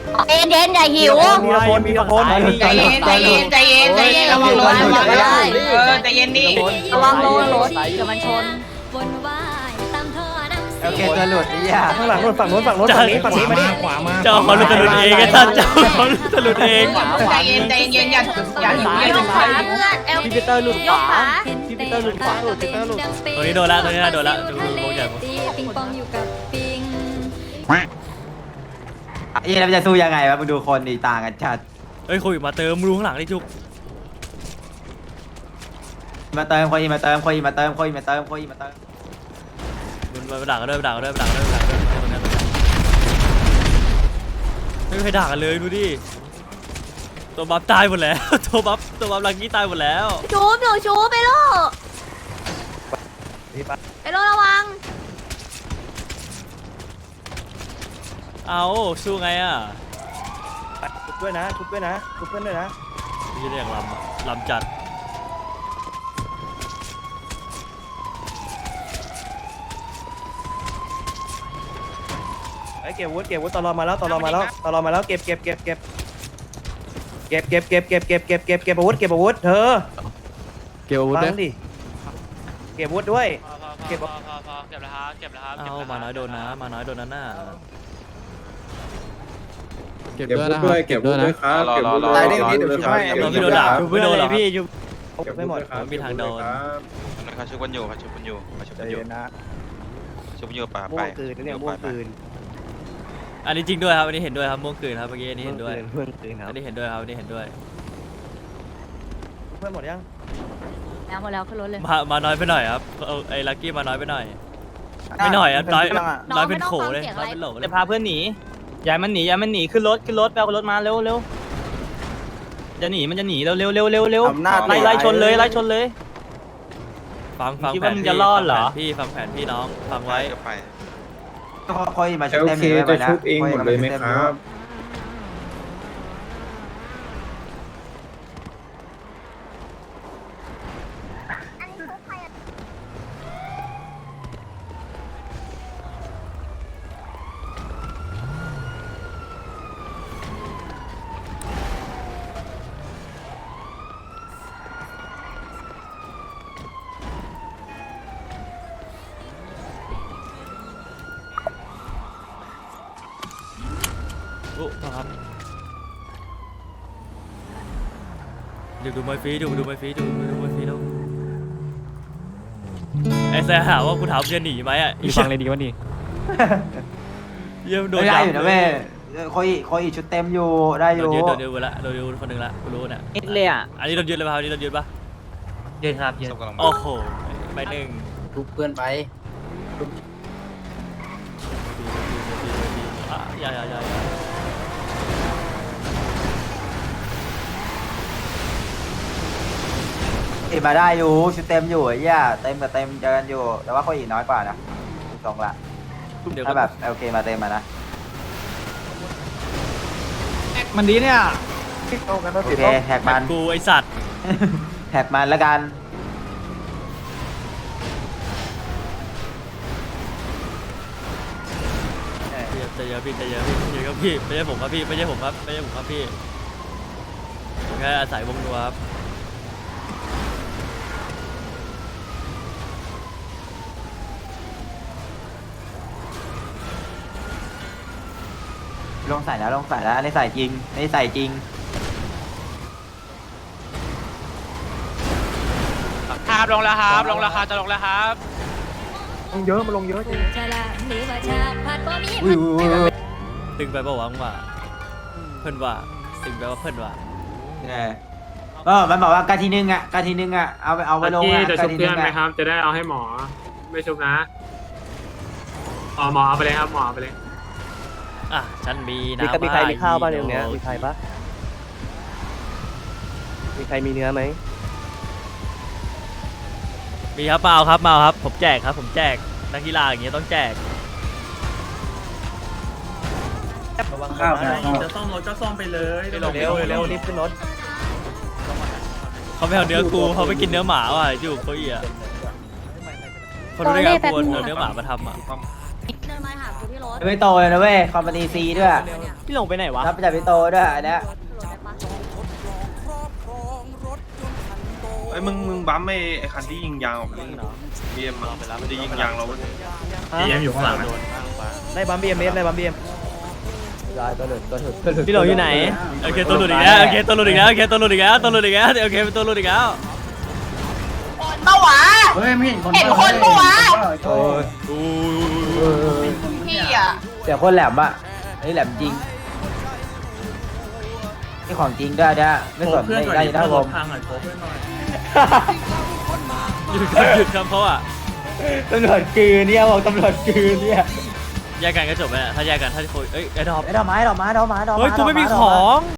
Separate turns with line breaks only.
เย็นเย็นอย่าหิว
มีละคนมีละคน
ใจเย็นใจเย็นใจเย็นใจเย็นระวังรถระวังรถใจเย็นดิ
ระวังโดนรถเดี๋ยวมันชน
โอเคตัวหลุดนี่อ่ะ
ข้างหลังฝั่งโน้นฝั่งนี้มาดิ
ขวามา
เจ้าเขาหลุดเองไอ้ท่านเจ้าเขาหลุดเอง
ใจเย็นใจเย็นอย่าหิวอย่าหิว
ขาเพื่อนเอล
พี่ปีเตอร์หลุด
ยกขา
พี่ปีเตอร์หลุดขวาหลุดพี่ปีเตอร์หลุด
ตัวนี้โดนละตัวนี้โดนละดูโบใหญ่
ปิงปองอยู่กับปิง
เย็นเราจะสู้ยังไงวะมึงดูคนดีต่างกันชัด
เฮ้ยโควิดมาเติมรู้ข้างหลังดิจุก
มาเติมคนอีมาเติมคนอีมาเติมคนอีมาเติมคนอีมาเติม
มันไปด่ากันด้วยไปด่ากันด้วยไปด่ากันด้วยไปด่ากันด้วยไม่มีใครด่ากันเลยดูดิตัวบัฟตายหมดแล้วตัวบัฟลังกี้ตายหมดแล้ว
ชูบหนูชูบไปลูกไปลูกระวัง
เอาสู้ไงอ่ะ
ชุบด้วยนะชุบด้วยนะชุบเพื่อนด้วยนะ
นี่เรียกลำจัด
ไอ้เก็บวุฒิตลอมาแล้วเก็บอาวุธเธอ
เกี่ยวอาวุธ
ฟั
เนี่ย
งดิเก็บอาวุธด้วย
เก็บแล้วครับเอามาน้อยโดนนะมาน้อยโดนนั่นน่ะ
เก็บด้วยนะครับเก็บด้วยนะ
ตายได้อย่างนี้เดี๋ยวช่วย
เราไม่โดนด่าไม่โดนหรอก
พี่ยุบไม่หมด
มันมีทางโดน
เขาชุบกันอยู่เขาชุบกันอยู่เขาชุบกันอยู่ชุบกันอยู่ป่า
ม่
ไป
วงคืนเนี่ยม่วงคืน
อันนี้จริงด้วยครับอันนี้เห็นด้วยครับม่วงคืนครับเมื่อกี้อันนี้เห็นด้วย
ม่วงคืนครั
อั
บ
นนี้เห็นด้วยครับอันนี้เห็นด้วย
เพื่อนหมดยัง
แล้วหมดแล้วขึ้นรถเลย
มาน้อยไปหน่อยครับเอาไอ้ลักกี้มาน้อยไปหน่อยไม่หน่อยอ่ะน้อยเป็นโขเลยน้อยเป็นโหลเลย
จะพาเพื่อนหนีอย่ามันหนีขึ้นรถไปเอารถมาเร็วจะหนีมันจะหนีเร็วไล่ชนเลย
ฟัง
คิด
แผ
ว่าน มึงจะรอดเหรอ
พี่ฟังแผนพี่น้องฟังไว้
ไป
คนอีมาชุบเต็มเลยจะชุบเองหมดเลยไหมครับ
โอ้ครับดูมวยฟรีดูมวยฟรีแล้วไอ้แซ่หาว่ากูถามจะหนีไหมอ่ะ
อีฟังเลยดีวะนี่
เยี่ยมโดน
ได้อยู่นะแม่คนอีชุดเต็มอยู่ได้อยู่
โดนยึดละโดนยึดคนหนึ่งละกูรู้เนี่ย
นิดเลยอ่ะ
อันนี้โดนยึดเลยป่ะอันนี้โดนยึดป่ะ
ยืนครับยืน
โอ้โหไปหนึ่ง
ทุบเพื่อนไป
อย่า
อีมาได้อยู่ชุดเต็มอยู่ไอ้ย่าเต็มกับเต็มเจอกันอยู่แต่ว่าคนอีน้อยกว่านะสองละ
เดี๋ยว
ถ้าแบบโอเคมาเต็มมานะ
มันดีเนี่ย
โอเคแหกมัน
กูไอสัตว์
แหกมันแล้วกัน
ใจเย็นพี่ครับพี่ไม่ใช่ผมครับพี่แค่อาศัยวงนัวครับ
ลงใส่แล้วอันนี้ใส่จริง
ครับลงแล้วครับจะลงแล้วครับ
ลงเยอะมาลงเยอะจริง
จะละหรือว่าชาพัดบ่มี
อุ้ย
ตึงไปปะหวังว่าเพิ่นว่าตึงไปว่าเพิ่นว่า
มันบอกว่าการทีนึงอ่ะเอาไปลงอ่ะ
จะชุบเพื่อนไหมครับ จะได้เอาให้หมอไม่ชุบนะหมอเอาไปเลยครับหมอเอาไปเลย
อ่ะฉันมีนะ
มีใครมีข้าวบ้างในตรงเนี้ยมีใครปะมีใครมีเนื้อไหม
มีครับมาเอาครับผมแจกนักกีฬาอย่างเงี้ยต้องแจก
ข้าว
จะซ่อมรถก็ซ่อมไปเลย
เร็วรีบขึ้นรถ
เขาไม่เอาเนื้อกูเขาไปกินเนื้อหมาว่ะอยู่เขาอีกคนรู้ได้ไงกูเอาเนื้อหมามาทำอ่ะ
เดินมาหากูที่รถ
ไม่โตเลยนะเว้ยคอมพานีซีด้วย
พี่หลงไปไหนวะ
รับจากพี่โตด้วยอันเนี้ย
ไอ้มึงบัมไอ้คันที่ยิงยางออกเบียมมันจะยิงยางเรา
BM อยู่ข้างหลัง
ได้บัมบีเอ็มได้บัมบีเอ็ม
พี่หลงอยู่ไหน
โอเคตัวหลุดอีกแล้วโอเคตัวหลุดอีกแล้วโอเคตัวหลุดอีกแล้วตัวหลุดอีกแล้วโอเคเป็นตัวหลุดอีกแล้ว
เมื่อวะเห็นคนเมื่อวะ
โอ้ย
พี่อ่ะ
เสียคนแหลมอะไอ้แหลมจริงนี่ของจริงด้วยเนี่ยไม่สนไม่ได้ยินท่าผม
หยุดคำเขาอ่ะ
ตำรวจกือเนี่ยบอกตำรวจกือเนี่ย
แยกกันก็จบไปถ้าแยกกันถ้าคุยเอ้ยไอ้ดอก
ไอ้ดอกไม้
เฮ้ยกูไม่มีของ